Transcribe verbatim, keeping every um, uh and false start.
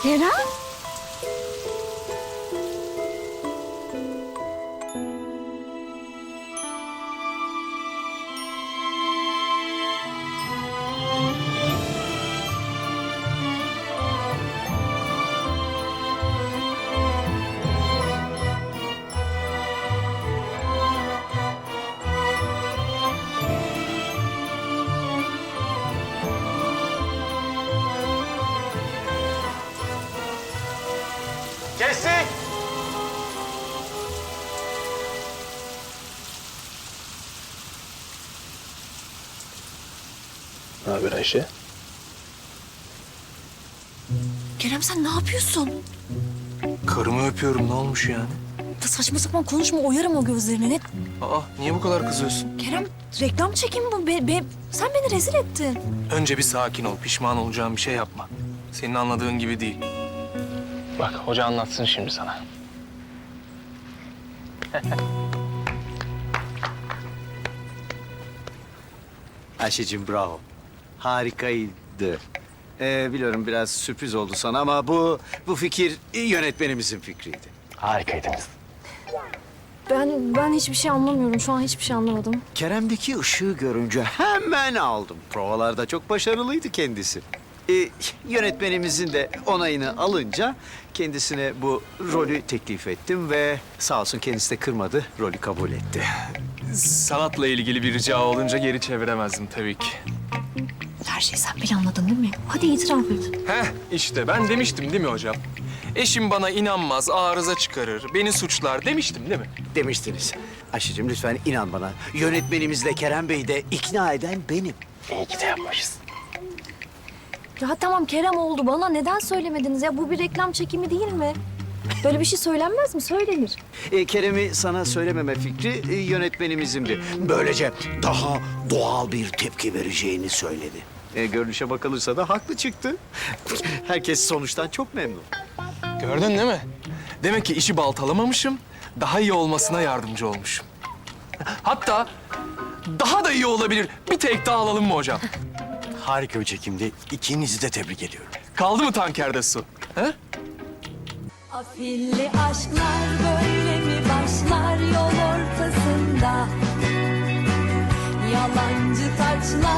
Kerem? Kestik. Ne haber Ayşe? Kerem sen ne yapıyorsun? Karımı öpüyorum, ne olmuş yani? Da saçma sapan konuşma, oyarım o gözlerini. Ne? Aa, niye bu kadar kızıyorsun? Kerem reklam çekimi bu. Be, be- sen beni rezil ettin. Önce bir sakin ol, pişman olacağın bir şey yapma. Senin anladığın gibi değil. Bak, hoca anlatsın şimdi sana. Ayşe'cim bravo. Harikaydı. Ee, biliyorum biraz sürpriz oldu sana ama bu bu fikir yönetmenimizin fikriydi. Harikaydınız. Ben ben hiçbir şey anlamıyorum. Şu an hiçbir şey anlamadım. Kerem'deki ışığı görünce hemen aldım. Provalarda çok başarılıydı kendisi. Ee, yönetmenimizin de onayını alınca kendisine bu rolü teklif ettim ve sağ olsun kendisi de kırmadı, rolü kabul etti. Sanatla ilgili bir rica olunca geri çeviremezdim tabii ki. Her şeyi sen planladın değil mi? Hadi itiraf et. Heh, işte ben demiştim değil mi hocam? Eşim bana inanmaz, arıza çıkarır, beni suçlar demiştim değil mi? Demiştiniz. Ayşe'cim lütfen inan bana. Yönetmenimizle Kerem Bey'i de ikna eden benim. İyi ki de yapmışız. Ya tamam Kerem oldu. Bana neden söylemediniz ya? Bu bir reklam çekimi değil mi? Böyle bir şey söylenmez mi? Söylenir. E, Kerem'i sana söylememe fikri e, yönetmenimizindi. Böylece daha doğal bir tepki vereceğini söyledi. E, görünüşe bakılırsa da haklı çıktı. Herkes sonuçtan çok memnun. Gördün değil mi? Demek ki işi baltalamamışım, daha iyi olmasına yardımcı olmuşum. Hatta daha da iyi olabilir. Bir tek daha alalım mı hocam? Harika bir çekimdi. İkinizi de tebrik ediyorum. Kaldı mı tankerde su? He? Afilli aşklar böyle mi başlar yol ortasında? Yalancı taçlar